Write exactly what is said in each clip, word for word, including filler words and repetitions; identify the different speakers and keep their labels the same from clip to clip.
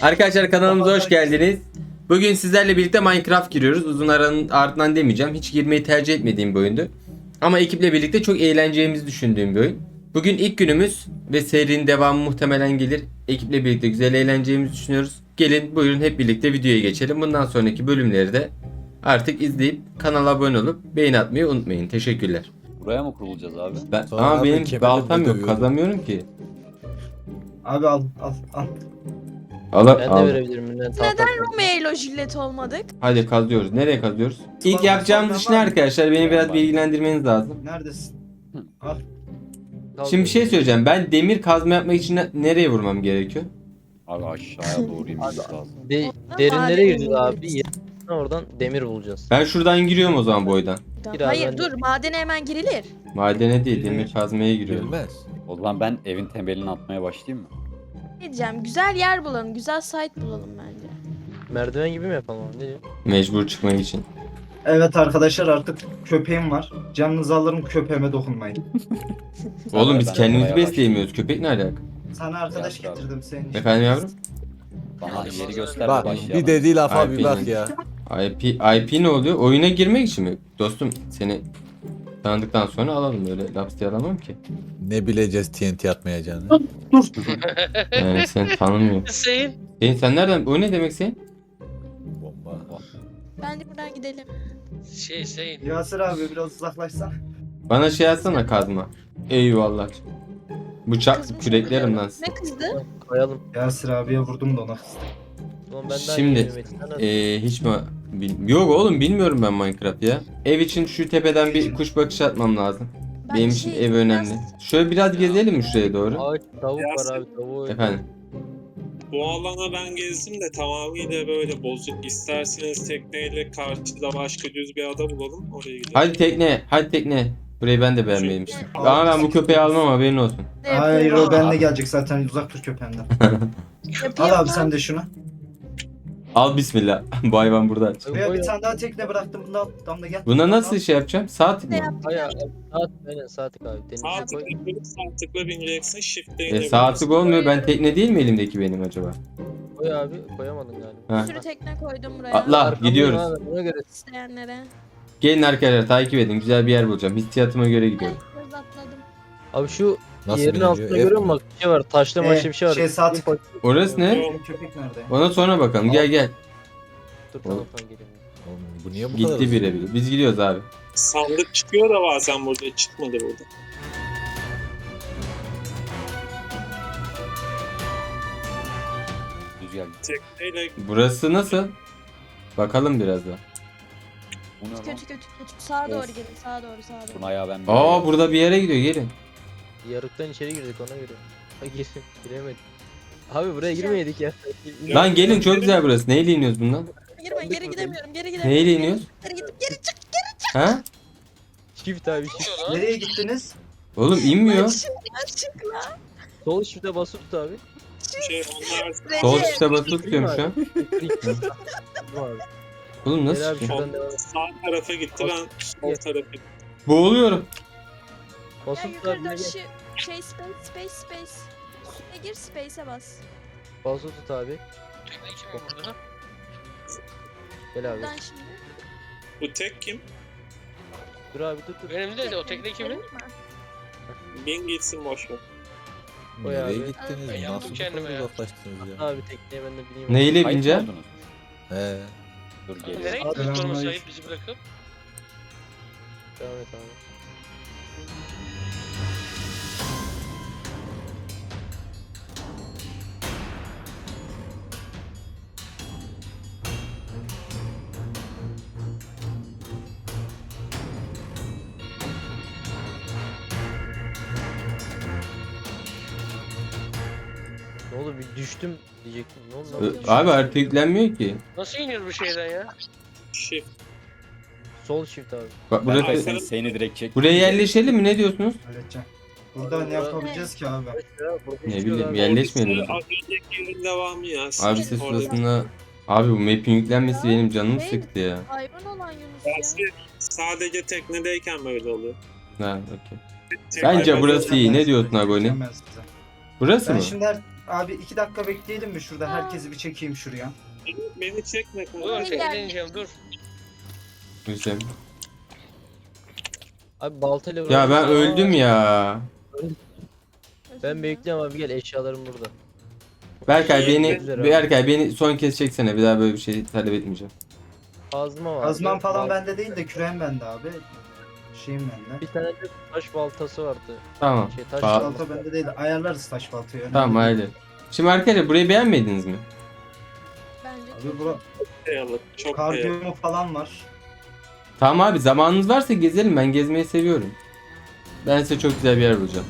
Speaker 1: Arkadaşlar kanalımıza hoş geldiniz. Bugün sizlerle birlikte Minecraft giriyoruz. Uzun aranın ardından demeyeceğim. Hiç girmeyi tercih etmediğim bir oyundu. Ama ekiple birlikte çok eğleneceğimizi düşündüğüm bir oyun. Bugün ilk günümüz ve serinin devamı muhtemelen gelir. Ekiple birlikte güzel eğleneceğimizi düşünüyoruz. Gelin buyurun hep birlikte videoya geçelim. Bundan sonraki bölümleri de artık izleyip kanala abone olup beğeni atmayı unutmayın. Teşekkürler.
Speaker 2: Buraya mı kurulacağız abi?
Speaker 1: Ben,
Speaker 3: Sonra
Speaker 1: ama
Speaker 3: abi
Speaker 1: benim
Speaker 3: kemerle
Speaker 1: baltam yok.
Speaker 3: dövüyorum.
Speaker 1: Kazamıyorum ki.
Speaker 4: Abi al al al.
Speaker 1: Al,
Speaker 5: Ben de
Speaker 1: al.
Speaker 5: verebilirim. Neden?
Speaker 6: Neden Romeo ile Juliet olmadık?
Speaker 1: Hadi kazıyoruz. Nereye kazıyoruz? İlk
Speaker 4: Sonra-
Speaker 1: yapacağımız
Speaker 4: sonra
Speaker 1: iş ne
Speaker 4: var mı?
Speaker 1: arkadaşlar? Beni biraz bilgilendirmeniz lazım.
Speaker 4: Neredesin? Al.
Speaker 1: Şimdi bir şey söyleyeceğim. Ben demir kazma yapmak için ne- nereye vurmam gerekiyor?
Speaker 2: Abi aşağıya doğru inmemiz lazım.
Speaker 5: De
Speaker 6: Oradan
Speaker 5: derinlere
Speaker 6: maden
Speaker 5: gireceğiz
Speaker 6: buluruz.
Speaker 5: abi. Yerine oradan demir bulacağız.
Speaker 1: Ben şuradan giriyorum o zaman boydan.
Speaker 5: Biraz
Speaker 6: Hayır
Speaker 5: ben de-
Speaker 6: dur madene hemen girilir.
Speaker 1: Madene değil, demir kazmaya giriyorum.
Speaker 3: Girmez.
Speaker 2: O zaman ben evin temelini atmaya başlayayım mı?
Speaker 6: Ne diyeceğim güzel yer bulalım, güzel site bulalım bence.
Speaker 5: Merdiven gibi mi yapalım abi? Ne diyor?
Speaker 1: Mecbur çıkmak için.
Speaker 4: Evet arkadaşlar artık köpeğim var. Canınızı alırım köpeğime dokunmayın.
Speaker 1: Oğlum biz
Speaker 2: ben
Speaker 1: kendimizi
Speaker 2: yapmaya
Speaker 1: besleyemiyoruz. Köpek ne alaka?
Speaker 4: Sana arkadaş
Speaker 2: Biraz
Speaker 4: getirdim senin için.
Speaker 1: Efendim yavrum?
Speaker 2: Bana yeri göster
Speaker 3: Bak
Speaker 2: başlayalım.
Speaker 3: bir dediği lafa
Speaker 1: Ay,
Speaker 3: bir bak
Speaker 1: bilmiyorum.
Speaker 3: ya.
Speaker 1: I P, I P ne oluyor? Oyuna girmek için mi? Dostum seni tanıdıktan sonra alalım. Öyle laps diye alamam ki.
Speaker 3: Ne bileceğiz T N T atmayacağını.
Speaker 1: Yani sen tanımıyorum.
Speaker 7: Hüseyin.
Speaker 1: Senin sen nereden? O ne demek Hüseyin?
Speaker 3: Bomba.
Speaker 6: Bence buradan gidelim.
Speaker 7: Şey Hüseyin.
Speaker 4: Yasir abi biraz uzaklaşsan.
Speaker 1: Bana şey atsana kazma. Eyvallah. Bıçak
Speaker 6: Kızmış
Speaker 1: küreklerim
Speaker 6: olabilir.
Speaker 1: lan.
Speaker 6: Ne kızdı?
Speaker 5: Koyalım.
Speaker 4: Yasir abiye vurdum da ona kızdım.
Speaker 5: Ulan ben daha
Speaker 1: Şimdi,
Speaker 5: yeni Metin, sen nasıl-
Speaker 1: Ee, hiç mi? Bil- Yok oğlum bilmiyorum ben Minecraft ya. Ev için şu tepeden bir kuş bakışı atmam lazım.
Speaker 6: Ben
Speaker 1: Benim için
Speaker 6: şey,
Speaker 1: ev önemli.
Speaker 6: biraz-
Speaker 1: Şöyle biraz gezelim mi şuraya doğru?
Speaker 5: Ağaç tavuk var abi tavuğu.
Speaker 1: Efendim.
Speaker 7: Bu alana ben gezdim de tamamıyla böyle bozuk. İsterseniz tekneyle karşıda başka düz bir ada bulalım. Oraya gidelim.
Speaker 1: Hadi tekne, hadi tekne. Burayı ben de beğenmemiştim. Ama ben bu köpeği almam haberin olsun.
Speaker 6: Ne
Speaker 4: Hayır
Speaker 6: yapıyorum?
Speaker 4: o benimle gelecek zaten uzak dur köpeğimden.
Speaker 6: Yapayım
Speaker 4: Al abi
Speaker 6: mı?
Speaker 4: sen de şunu.
Speaker 1: Al bismillah. Bu hayvan burada.
Speaker 4: Buraya bir tane daha tekne bıraktım bunu al. Damla gel.
Speaker 1: Buna nasıl şey yapacağım? Saat
Speaker 6: Ne
Speaker 1: mi?
Speaker 6: yaptım?
Speaker 5: Hayır saat aynen saatlik abi. Denize
Speaker 7: Sağ
Speaker 5: koy.
Speaker 7: tıkla koyup sağ tıkla bineceksin. Shift'e
Speaker 1: E,
Speaker 7: inebilirsin.
Speaker 1: saatlik olmuyor. Ben tekne değil mi elimdeki benim acaba?
Speaker 5: Koy abi koyamadın galiba.
Speaker 6: Bir
Speaker 1: Ha.
Speaker 6: sürü tekne koydum buraya.
Speaker 1: Atla
Speaker 5: Arkamdayım
Speaker 1: gidiyoruz.
Speaker 5: abi, Buna göre
Speaker 6: İsteyenlere.
Speaker 1: Gelin arkadaşlar takip edin. Güzel bir yer bulacağım. Hissiyatıma göre gidiyorum.
Speaker 6: Biraz atladım.
Speaker 5: Abi şu
Speaker 3: Nasıl
Speaker 5: yerin
Speaker 3: biliniyor?
Speaker 5: altında
Speaker 3: F-
Speaker 5: görüyor musun bak bir şey var. Taşlı
Speaker 4: Ee,
Speaker 5: maçlı bir şey var.
Speaker 4: şey, saat-
Speaker 1: Orası ne?
Speaker 4: Benim köpek nerede?
Speaker 1: Ona sonra bakalım. Gel gel.
Speaker 5: Dur tamam tamam geliyorum.
Speaker 3: Oğlum, bu niye bu kadar
Speaker 1: Gitti
Speaker 3: uzun?
Speaker 1: bire bile. Biz gidiyoruz abi.
Speaker 7: Sandık çıkıyor da bazen burada. Çıkmadı burada.
Speaker 2: Düz gel.
Speaker 7: Tekneyle
Speaker 1: Burası nasıl? Bakalım biraz da.
Speaker 2: Bu ne lan?
Speaker 6: Kötü kötü kötü. Sağa doğru
Speaker 2: Of.
Speaker 6: gelin. Sağa doğru sağa doğru.
Speaker 2: Buna ya ben
Speaker 1: Aa burada bir yere gidiyor. Gelin.
Speaker 5: Yarıktan içeri girdik ona göre. Ha gir, giremedik. Abi buraya girmeydik ya.
Speaker 1: Lan gelin çok güzel burası. Neyle iniyoruz bundan?
Speaker 6: Girme geri gidemiyorum. Geri gidemiyorum.
Speaker 1: Neyle iniyoruz?
Speaker 6: Geri gidip geri çık.
Speaker 1: Ha?
Speaker 5: Çift abi çift.
Speaker 4: Nereye gittiniz?
Speaker 1: Oğlum inmiyor.
Speaker 6: Çık çık lan.
Speaker 5: Sol çifte basıp tut abi.
Speaker 7: şey onlar
Speaker 1: Sol
Speaker 6: Recep.
Speaker 1: tuşa basılı tutuyorum şu an.
Speaker 5: Bu abi.
Speaker 1: Oğlum
Speaker 5: Gel
Speaker 1: nasıl
Speaker 5: abi
Speaker 1: çıkıyor?
Speaker 5: şuradan devam et.
Speaker 7: sağ tarafa gitti ben sol tarafa gittim.
Speaker 1: Boğuluyorum.
Speaker 6: Ya
Speaker 5: Basıp tut abi.
Speaker 6: yukarıda
Speaker 5: ne gel.
Speaker 6: şu şey space space space. Üstüne gir space'e bas.
Speaker 5: Basıp tut abi. Gel abi.
Speaker 6: Buradan şimdi.
Speaker 7: Bu tek kim?
Speaker 5: Dur abi dur dur.
Speaker 7: Benim de o tekne kimin? Bin gitsin boş ver.
Speaker 5: Oy
Speaker 3: Nereye
Speaker 5: abi.
Speaker 3: gittiniz?
Speaker 7: Ben yaptım
Speaker 3: Nasıl bu
Speaker 7: kendime
Speaker 3: kadar
Speaker 7: ya.
Speaker 3: uzaklaştınız ya?
Speaker 5: Abi tekneye ben de bineyim.
Speaker 1: Neyle
Speaker 2: Kayıt mı
Speaker 1: bineceğim?
Speaker 2: oldunuz?
Speaker 3: He.
Speaker 2: Dur
Speaker 7: Nereye
Speaker 2: geliyorum.
Speaker 7: gittiniz
Speaker 4: Adamlar-
Speaker 7: sonra Sait bizi bırakıp?
Speaker 5: Devam et abi. Ne oldu bir düştüm diyecektim. Ne oldu?
Speaker 1: Ö,
Speaker 5: lan?
Speaker 1: Abi harita yüklenmiyor ki.
Speaker 7: Nasıl iniyor bu şeyden ya? Shift.
Speaker 5: Sol shift abi.
Speaker 1: Bak
Speaker 2: Ben
Speaker 1: burası.
Speaker 2: seni, seni direkt çek.
Speaker 1: Buraya yerleşelim mi? Ne diyorsunuz?
Speaker 4: Halledeceğim. Burada ne yapabileceğiz ki abi?
Speaker 1: Ne bileyim yerleşmeyelim.
Speaker 7: Orası Az önceki yerin devamı ya.
Speaker 1: Abi ses
Speaker 7: Orada-
Speaker 1: sırasında. Abi bu map'in yüklenmesi benim canımı
Speaker 6: Hey.
Speaker 1: sıktı ya.
Speaker 6: Hayvan olan Yunus ya.
Speaker 7: Dersi sadece teknedeyken böyle oluyor.
Speaker 1: Ha, okey.
Speaker 7: Tek-
Speaker 1: Bence
Speaker 7: Hayvan-
Speaker 1: burası iyi. Ne diyorsun Agoni?
Speaker 4: Halledeceğim ben size.
Speaker 1: Burası
Speaker 4: Ben
Speaker 1: mı?
Speaker 4: şimdi her... Abi iki dakika bekleyelim mi şurada? Herkesi bir çekeyim şuraya.
Speaker 7: Beni çekme
Speaker 8: Dur
Speaker 7: kanka.
Speaker 6: Gel.
Speaker 8: eğleneceğim dur.
Speaker 1: Güzel.
Speaker 5: Abi baltayla
Speaker 1: Ya ben
Speaker 5: Aa,
Speaker 1: öldüm ya.
Speaker 5: Ben bekliyorum abi, gel, eşyalarım burada.
Speaker 1: Berkay beni
Speaker 5: Güzel.
Speaker 1: Berkay beni son kez çeksene. Bir daha böyle bir şey talep etmeyeceğim.
Speaker 5: Kazma var.
Speaker 4: Kazman falan
Speaker 5: Bal-
Speaker 4: bende değil de küreğim bende abi. Şeyim bende.
Speaker 5: Bir tane de taş baltası vardı.
Speaker 1: Tamam.
Speaker 5: Şey, taş
Speaker 1: Ba-
Speaker 4: Balta bende değil de ayarlarız taş baltayı. önemli
Speaker 1: Tamam
Speaker 4: değil.
Speaker 1: haydi. Şimdi arkadaşlar burayı beğenmediniz mi?
Speaker 6: Bence
Speaker 4: Abi bura
Speaker 7: Kayalık, çok kayalık.
Speaker 4: kardiyomu falan var.
Speaker 1: Tamam abi zamanınız varsa gezelim. Ben gezmeyi seviyorum. Ben size çok güzel bir yer bulacağım.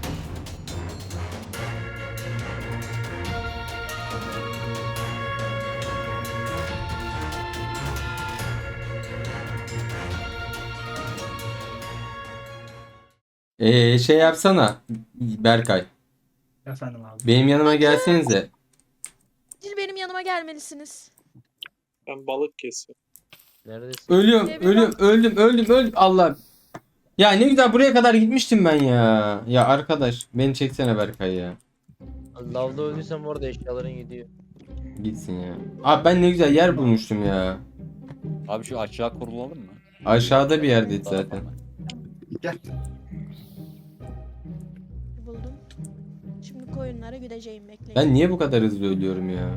Speaker 1: Ee, şey yapsana Berkay.
Speaker 4: Efendim abi.
Speaker 1: Benim yanıma gelsenize.
Speaker 6: Acil benim yanıma gelmelisiniz.
Speaker 7: Ben balık kesiyorum.
Speaker 5: Neredesin?
Speaker 1: Ölüyorum,
Speaker 6: Ee, bir
Speaker 1: ölüyorum, öldüm, öldüm, öldüm. Allah. Ya ne güzel buraya kadar gitmiştim ben ya. Ya arkadaş, beni çeksene Berkay ya.
Speaker 5: Lavda öldüysem orada eşyaların gidiyor.
Speaker 1: Gitsin ya. Abi ben ne güzel yer bulmuştum ya.
Speaker 2: Abi şu aşağı kurulalım mı?
Speaker 1: Aşağıda bir yerdeydi zaten.
Speaker 4: Gel.
Speaker 6: Buldum. Şimdi koyunlara gideceğim, bekleyin.
Speaker 1: Ben niye bu kadar hızlı ölüyorum ya?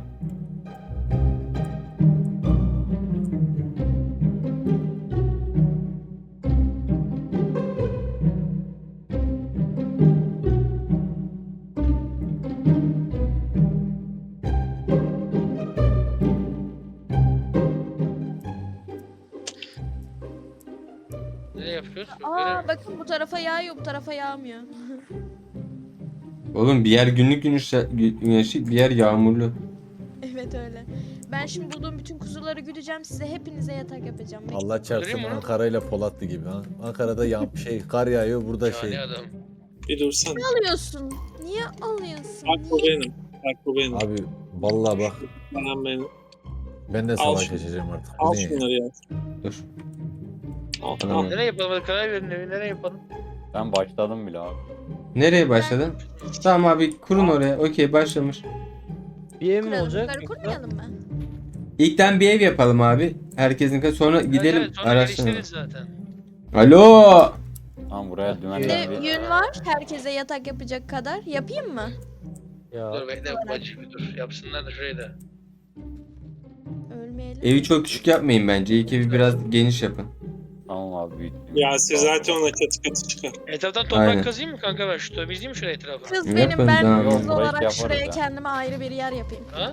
Speaker 8: Ne yapıyoruz?
Speaker 6: Aa bakın, bu tarafa yağıyor, bu tarafa yağmıyor.
Speaker 1: Oğlum bir yer günlük güneş, güneşi, bir yer yağmurlu.
Speaker 6: Evet öyle. Ben şimdi bulduğum bütün kuzuları güdeceğim, size hepinize yatak yapacağım. Bekleyin.
Speaker 3: Allah çarpsın
Speaker 8: Göreyim mi?
Speaker 3: Ankara ile Polatlı gibi. Ha? Ankara'da yağ şey kar yağıyor, burada
Speaker 8: Şahane
Speaker 3: şey.
Speaker 8: adam.
Speaker 7: Bir dursan.
Speaker 6: alıyorsun? Niye alıyorsun?
Speaker 7: Bak bu
Speaker 6: Niye?
Speaker 7: benim. Bak bu benim.
Speaker 3: Abi vallahi bak
Speaker 7: Ben benim.
Speaker 3: ben de
Speaker 7: Al
Speaker 3: savaş
Speaker 7: şunu.
Speaker 3: açacağım artık. Bu
Speaker 7: Al
Speaker 3: ne ya?
Speaker 7: şunları ya.
Speaker 1: Dur.
Speaker 7: Al,
Speaker 1: Tamam.
Speaker 7: al.
Speaker 8: Nereye yapalım? Hadi karar verin evi. Nereye yapalım?
Speaker 2: Ben başladım bile abi.
Speaker 1: Nereye başladın? Tamam abi kurun oraya. Okey başlamış.
Speaker 5: Bir ev mi
Speaker 6: Kuralım,
Speaker 5: olacak?
Speaker 6: yukarı kurmayalım mı?
Speaker 1: İlkten bir ev yapalım abi. Herkesin sonra gidelim
Speaker 8: Evet, sonra
Speaker 1: araştıralım.
Speaker 8: geliştiririz zaten.
Speaker 1: Alo.
Speaker 2: Tamam buraya
Speaker 6: Bir
Speaker 2: dümenler
Speaker 6: de
Speaker 2: bir...
Speaker 6: yün var, herkese yatak yapacak kadar. Yapayım mı?
Speaker 5: Ya
Speaker 8: Dur bekle bacı bir dur. Yapsınlar da şurayı da.
Speaker 6: Ölmeyelim.
Speaker 1: Evi çok küçük yapmayın bence. İlk evi biraz geniş yapın.
Speaker 2: Tamam abi büyüttüm.
Speaker 7: Ya siz zaten ona katı katı çıkar.
Speaker 8: Etraftan toprak
Speaker 1: Aynen.
Speaker 8: kazıyım mı kanka ben şu temizleyeyim mi şurayı etrafı?
Speaker 6: Kız
Speaker 1: Yapın,
Speaker 6: benim, ben
Speaker 1: tamam.
Speaker 6: kız
Speaker 2: Burayı şey
Speaker 6: olarak
Speaker 2: yaparız
Speaker 6: şuraya
Speaker 2: ya.
Speaker 6: kendime ayrı bir yer yapayım.
Speaker 8: Ha?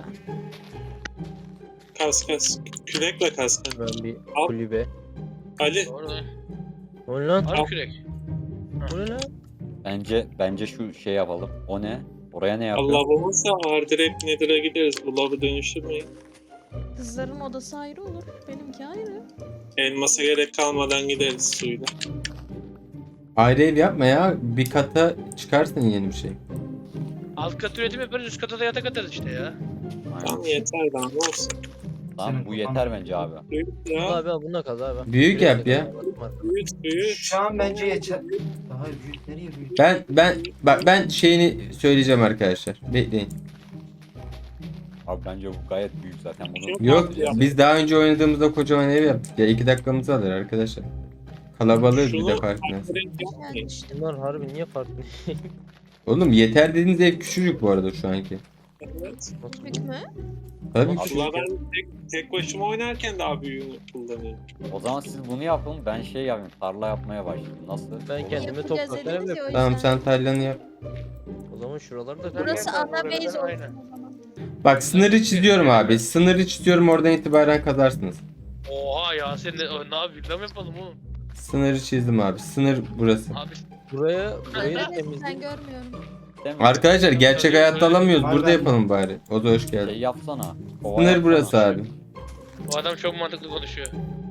Speaker 7: Kas kas. Kürekle kas. kanka.
Speaker 5: ben bir
Speaker 7: Al.
Speaker 5: kulübe.
Speaker 7: Ali
Speaker 8: Doğru lan.
Speaker 5: O ne lan?
Speaker 8: Harbi kürek.
Speaker 5: O ne lan?
Speaker 2: Bence bence şu şey yapalım. O ne? Oraya ne yapıyor?
Speaker 7: Allah olmazsa ağır direkt Nether'a gideriz. Bu lavı dönüştürmeyin.
Speaker 6: Kızların odası ayrı olur, benimki ayrı.
Speaker 7: Elmasa gerek kalmadan gideriz suyla.
Speaker 1: Ayrı ev yapma ya. Bir kata çıkarsın yeni bir şey.
Speaker 8: Alt kat üretim yaparız, üst kata da yatak atarız işte ya.
Speaker 7: Tamam
Speaker 2: Aynen.
Speaker 7: yeter daha ne olsun.
Speaker 2: Tamam bu yeter bence abi.
Speaker 7: Büyük
Speaker 5: Al
Speaker 7: ya.
Speaker 5: abi al, bununla kaz abi.
Speaker 1: Büyük yap ya.
Speaker 7: Büyük büyük.
Speaker 4: Şu an bence yeter. Daha büyük nereye büyük?
Speaker 1: Ben ben bak ben şeyini söyleyeceğim arkadaşlar. Bekleyin.
Speaker 2: Abi bence bu gayet büyük zaten bunu.
Speaker 7: Yok.
Speaker 1: Yok
Speaker 7: Ya.
Speaker 1: biz daha önce oynadığımızda kocaman ev yaptık ya. iki dakikamızı alır arkadaşlar. Kalabalığız bir de
Speaker 7: Şunu
Speaker 1: farkındayız.
Speaker 7: direkt yapmayın.
Speaker 6: Yani işte.
Speaker 5: Bunlar harbi niye farklı?
Speaker 1: Oğlum yeter dediğiniz ev küçücük bu arada şu anki.
Speaker 7: Evet.
Speaker 6: Büyük mü?
Speaker 1: Tabii
Speaker 2: Abi,
Speaker 1: küçücük.
Speaker 7: Valla ben tek, tek başıma oynarken daha büyüğünü kullanıyorum.
Speaker 2: O zaman siz bunu yapın ben şey yapayım. Tarla yapmaya başlayayım. Nasıl?
Speaker 5: Ben kendime
Speaker 6: Yapacağız
Speaker 5: toprak
Speaker 6: dediniz
Speaker 5: ev
Speaker 6: ya, o
Speaker 5: yapayım.
Speaker 1: Tamam sen tarlanı yap.
Speaker 5: O zaman şuraları da
Speaker 6: Burası
Speaker 8: Ben-
Speaker 6: ana
Speaker 8: ben-
Speaker 6: base
Speaker 8: Aynen.
Speaker 6: olsun o zaman.
Speaker 1: Bak sınırı çiziyorum abi. Sınırı çiziyorum oradan itibaren kazarsınız.
Speaker 8: Oha ya sen de ne yapayım? Lan yapalım oğlum.
Speaker 1: Sınırı çizdim abi. Sınır burası.
Speaker 8: Abi
Speaker 5: Buraya burayı da
Speaker 6: Neredesin, sen
Speaker 5: temizleyin.
Speaker 6: görmüyorum.
Speaker 2: Değil mi?
Speaker 1: Arkadaşlar gerçek hayatta alamıyoruz.
Speaker 4: Var
Speaker 1: Burada
Speaker 4: ben-
Speaker 1: yapalım bari. O da hoş
Speaker 2: Şey
Speaker 1: geldin.
Speaker 2: yapsana. Kova
Speaker 1: Sınır
Speaker 2: yapsana.
Speaker 1: burası abi.
Speaker 8: bu adam çok mantıklı konuşuyor.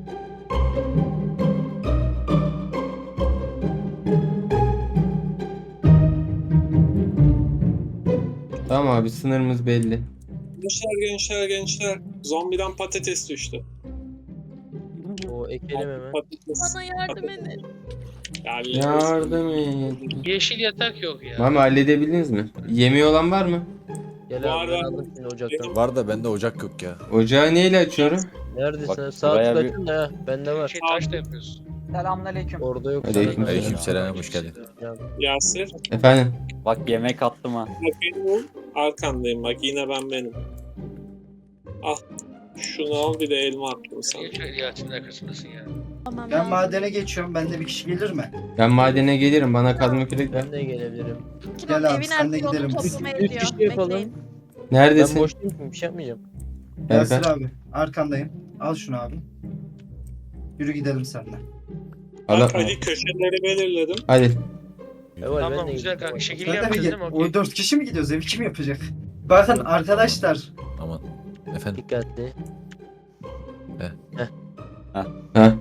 Speaker 1: Tamam abi sınırımız belli.
Speaker 7: Gençler gençler gençler. Zombiden patates düştü.
Speaker 5: O ekelim hemen.
Speaker 7: Patates.
Speaker 6: Bana yardım edin.
Speaker 7: Yani
Speaker 1: Yardım et.
Speaker 8: Yeşil yatak yok ya.
Speaker 1: Mami halledebildiniz mi? Yemeği olan var mı?
Speaker 5: Gel
Speaker 7: Bu
Speaker 5: abi ben
Speaker 7: arada-
Speaker 5: aldım şimdi ocaktan.
Speaker 3: Var da bende ocak yok ya.
Speaker 1: Ocağı neyle açıyorum?
Speaker 5: Neredesin?
Speaker 2: Bak,
Speaker 5: Bak, Sağ
Speaker 2: buraya bir-
Speaker 5: tıklatın da ha. Bende var.
Speaker 8: Şey taş da yapıyoruz.
Speaker 9: Selamünaleyküm.
Speaker 5: Orada yok.
Speaker 1: Aleyküm
Speaker 5: sana.
Speaker 3: Aleykümselam, hoş geldin.
Speaker 7: Yasir.
Speaker 1: Efendim.
Speaker 2: Bak yemek attım ha.
Speaker 7: Bak benim ol. Arkandayım bak yine ben benim. Al. Şunu al bir de elma attım sana.
Speaker 8: Niye şöyle Yalçın'ın arkasındasın ya?
Speaker 6: Tamam,
Speaker 4: Ben
Speaker 6: lazım.
Speaker 4: madene geçiyorum. Bende bir kişi gelir mi?
Speaker 1: Ben madene gelirim. Bana kazma kürek ver.
Speaker 5: Ben de gelebilirim.
Speaker 6: Kim
Speaker 4: Gel
Speaker 6: o
Speaker 4: abi,
Speaker 6: evin
Speaker 4: sen de
Speaker 6: artık
Speaker 4: gidelim
Speaker 6: onu
Speaker 4: biz.
Speaker 6: toplamaya
Speaker 5: Üç- üç
Speaker 6: gidiyor.
Speaker 5: kişi yapalım.
Speaker 6: Bekleyin.
Speaker 5: Ben
Speaker 1: Neredesin?
Speaker 5: boş değilim. Bir şey yapmayacağım.
Speaker 4: Yasir
Speaker 1: Berkay.
Speaker 4: abi. Arkandayım. Al şunu abi. Yürü gidelim seninle.
Speaker 1: Allah.
Speaker 7: Bak hadi köşeleri belirledim.
Speaker 1: Hadi.
Speaker 5: Eval ben
Speaker 8: Tamam
Speaker 5: de
Speaker 8: güzel
Speaker 5: gideceğim.
Speaker 8: kanka. Şekil
Speaker 4: Sen de mi
Speaker 8: yapacağız
Speaker 4: gel?
Speaker 8: değil mi?
Speaker 4: O
Speaker 8: Okey.
Speaker 4: dört kişi mi gidiyoruz? Evi kim yapacak? Bakın arkadaşlar.
Speaker 3: Aman. Efendim.
Speaker 5: Dikkatli.
Speaker 1: Ha.